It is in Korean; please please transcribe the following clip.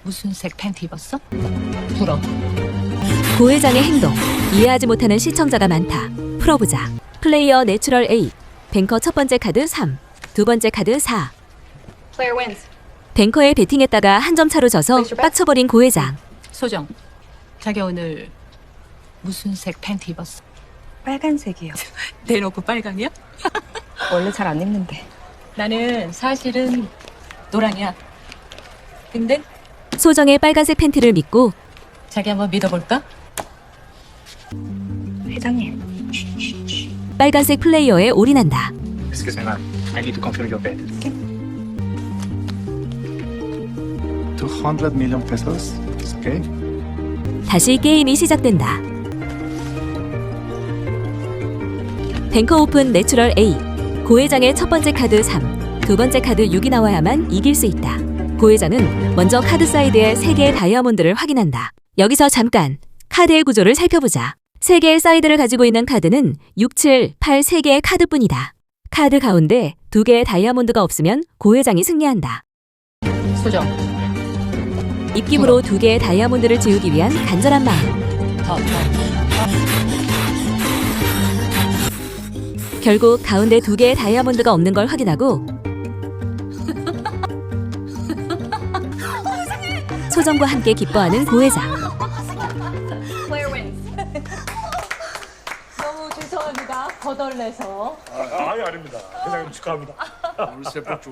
무슨 색 팬티 입었어? 불어. 고 회장의 행동 이해하지 못하는 시청자가 많다. 풀어보자. 플레이어 내추럴 A. 뱅커 첫 번째 카드 3, 두 번째 카드 4. Player wins. 뱅커에 베팅했다가 한 점 차로 져서 빡쳐버린 고 회장. 소정. 자기 오늘 무슨 색 팬티 입었어? 빨간색이요. 대놓고 빨강이야? 원래 잘 안 입는데. 나는 사실은 노랑이야. 근데 소정의 빨간색 팬티를 믿고 자기 한번 믿어볼까? 회장님. 빨간색 플레이어에 올인한다. Excuse me, ma'am. I need to confirm your bet. 200 million pesos. It's okay. 다시 게임이 시작된다. 뱅커 오픈 내추럴 A. 고 회장의 첫 번째 카드 3, 두 번째 카드 6이 나와야만 이길 수 있다. 고 회장은 먼저 카드 사이드에 3개의 다이아몬드를 확인한다. 여기서 잠깐 카드의 구조를 살펴보자. 3개의 사이드를 가지고 있는 카드는 6, 7, 8 3개의 카드뿐이다. 카드 가운데 2개의 다이아몬드가 없으면 고 회장이 승리한다. 소정. 입김으로 2개의 다이아몬드를 지우기 위한 간절한 마음. 더. 결국 가운데 2개의 다이아몬드가 없는 걸 확인하고 소정과 함께 기뻐하는 고 회장. Player wins. 너무 죄송합니다. 거덜내서. 아니 아닙니다. 회장님 축하합니다.